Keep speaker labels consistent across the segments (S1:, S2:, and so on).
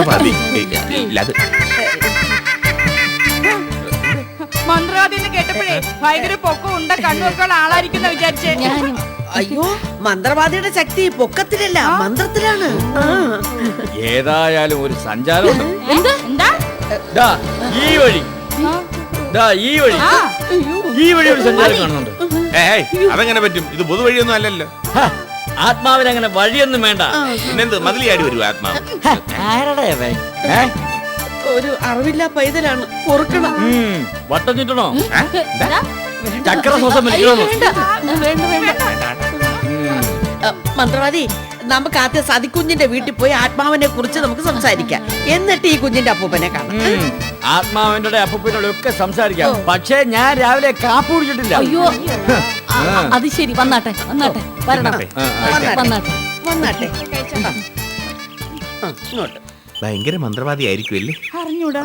S1: മതി. അത്
S2: മന്ത്രവാദിന്ന് കേട്ടപ്പോഴേ ഭയങ്കര പൊക്കം ഉണ്ട കണ്ണുമൊക്കെ ഉള്ള ആളായിരിക്കുന്ന വിചാരിച്ചേ.
S3: അയ്യോ, മന്ത്രവാദിയുടെ ശക്തി പൊക്കത്തിലല്ല മന്ത്രത്തിലാണ്.
S4: ഏതായാലും ഒരു സഞ്ചാരം
S2: എന്താ
S4: ഈ വഴി ഒരു സഞ്ചാരം കാണുന്നുണ്ട്.
S1: അതെങ്ങനെ പറ്റും? ഇത് പൊതുവഴിയൊന്നും അല്ലല്ലോ.
S4: ആത്മാവിനങ്ങനെ വഴിയൊന്നും വേണ്ട.
S1: പിന്നെന്ത് മതിലിയാടി വരും ആത്മാവ്?
S3: ഒരു അറിവില്ല പൈതലാണ്, പൊറുക്കണം.
S4: വട്ടം ചുറ്റണോ? ചക്ര ശ്വാസം
S3: മന്ത്രവാദി, നമുക്ക് ആദ്യം സതിക്കുഞ്ഞിന്റെ വീട്ടിൽ പോയി ആത്മാവിനെ കുറിച്ച് നമുക്ക് സംസാരിക്കാം. എന്നിട്ട് ഈ കുഞ്ഞിന്റെ അപ്പൂപ്പനെ കാണാം.
S4: ആത്മാവിന്റെ അപ്പൂപ്പനോട് ഒക്കെ സംസാരിക്കാം. പക്ഷേ ഞാൻ രാവിലെ കാപ്പി കുടിച്ചിട്ടില്ല.
S5: അയ്യോ, അത് ശരി. വന്നാട്ടെ വരണം.
S3: വന്നാട്ടെ. ഇങ്ങോട്ട്.
S1: ഭയങ്കര മന്ത്രവാദി ആയിരിക്കും അല്ലേ?
S2: അറിഞ്ഞൂടാ.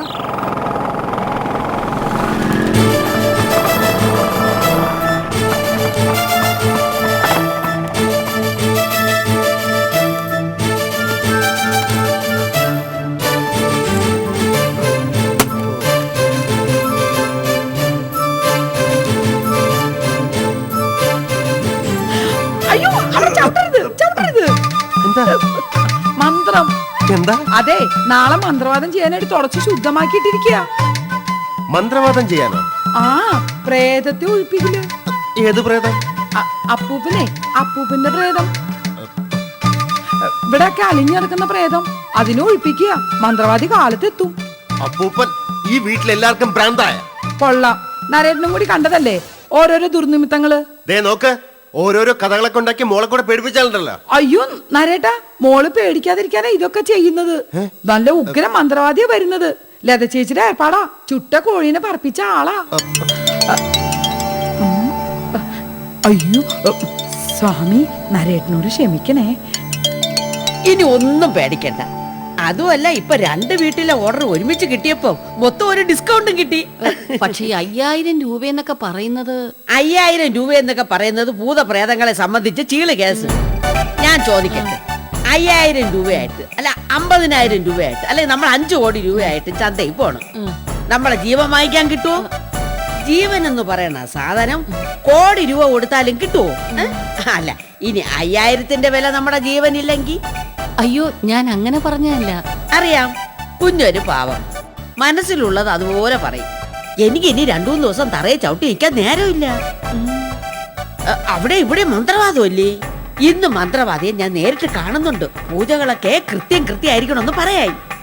S2: അയ്യോ, അവിടെ ചവിട്ടരുത്. മന്ത്രം.
S6: എന്താ?
S2: അതെ, നാളെ മന്ത്രവാദം ചെയ്യാനായിട്ട് തുടച്ച് ശുദ്ധമാക്കിയിട്ടിരിക്കുക.
S6: മന്ത്രവാദം ചെയ്യാനോ?
S2: ആ, പ്രേതത്തെ ഒഴിപ്പിക്കില്ല.
S6: ഏത് പ്രേതം?
S2: അപ്പൂപ്പന്റെ പ്രേതം. ഇവിടെയൊക്കെ അലിഞ്ഞു കിടക്കുന്ന പ്രേതം, അതിനെ ഒഴിപ്പിക്കുക. മന്ത്രവാദി കാലത്തെത്തും.
S6: അപ്പൂപ്പൻ ഈ വീട്ടിലെല്ലാവർക്കും ഭ്രാന്തായ?
S2: കൊള്ളാം. നരേട്ടനും കൂടി കണ്ടതല്ലേ ഓരോരോ ദുർനിമിത്തങ്ങള്.
S6: ദേ നോക്ക്, ഓരോരോ കഥകളൊക്കെ ഉണ്ടാക്കി മോളെ കൂടെ പേടിപ്പിച്ചാലുണ്ടല്ലോ.
S2: അയ്യോ നരേട്ടാ, മോള് പേടിക്കാതിരിക്കാനാ ഇതൊക്കെ ചെയ്യുന്നത്. നല്ല ഉഗ്ര മന്ത്രവാദിയാ വരുന്നത്. ലത ചേച്ചിയുടെ ഏർപ്പാടാ. ചുട്ട കോഴീനെ പറപ്പിച്ച ആളാ. അയ്യോ സ്വാമി, നരേട്ടനോട് ക്ഷമിക്കണേ.
S3: ഇനി ഒന്നും പേടിക്കണ്ട. അതുമല്ല, ഇപ്പൊ 2 വീട്ടിലെ ഓർഡർ ഒരുമിച്ച് കിട്ടിയപ്പോ മൊത്തം ഒരു ഡിസ്കൗണ്ടും കിട്ടി.
S5: പക്ഷേ 5000 രൂപയെന്നൊക്കെ പറയുന്നത്
S3: 5000 രൂപ എന്നൊക്കെ പറയുന്നത് ഭൂതപ്രേതങ്ങളെ സംബന്ധിച്ച് ചീള് കേസ്. ഞാൻ ചോദിക്കട്ടെ, 5000 രൂപയായിട്ട് അല്ല 50,000 രൂപയായിട്ട് അല്ലെങ്കിൽ നമ്മൾ 5 കോടി രൂപയായിട്ട് ചന്തയിൽ പോണം, നമ്മളെ ജീവൻ വാങ്ങിക്കാൻ കിട്ടുമോ? ജീവൻ എന്ന് പറയണ സാധനം കോടി രൂപ കൊടുത്താലും കിട്ടുമോ? അല്ല, ഇനി 5000ന്റെ വില നമ്മുടെ ജീവനില്ലെങ്കിൽ?
S5: അയ്യോ, ഞാൻ അങ്ങനെ പറഞ്ഞതല്ല.
S3: അറിയാം, കുഞ്ഞൊരു പാവം, മനസ്സിലുള്ളത് അതുപോലെ പറയും. എനിക്ക് ഇനി 2-3 ദിവസം തറയെ ചവിട്ടി നിൽക്കാൻ നേരമില്ല. അവിടെ ഇവിടെ മന്ത്രവാദമല്ലേ? ഇന്ന് മന്ത്രവാദിയെ ഞാൻ നേരിട്ട് കാണുന്നുണ്ട്. പൂജകളൊക്കെ കൃത്യമായിരിക്കണമെന്ന് പറയായി.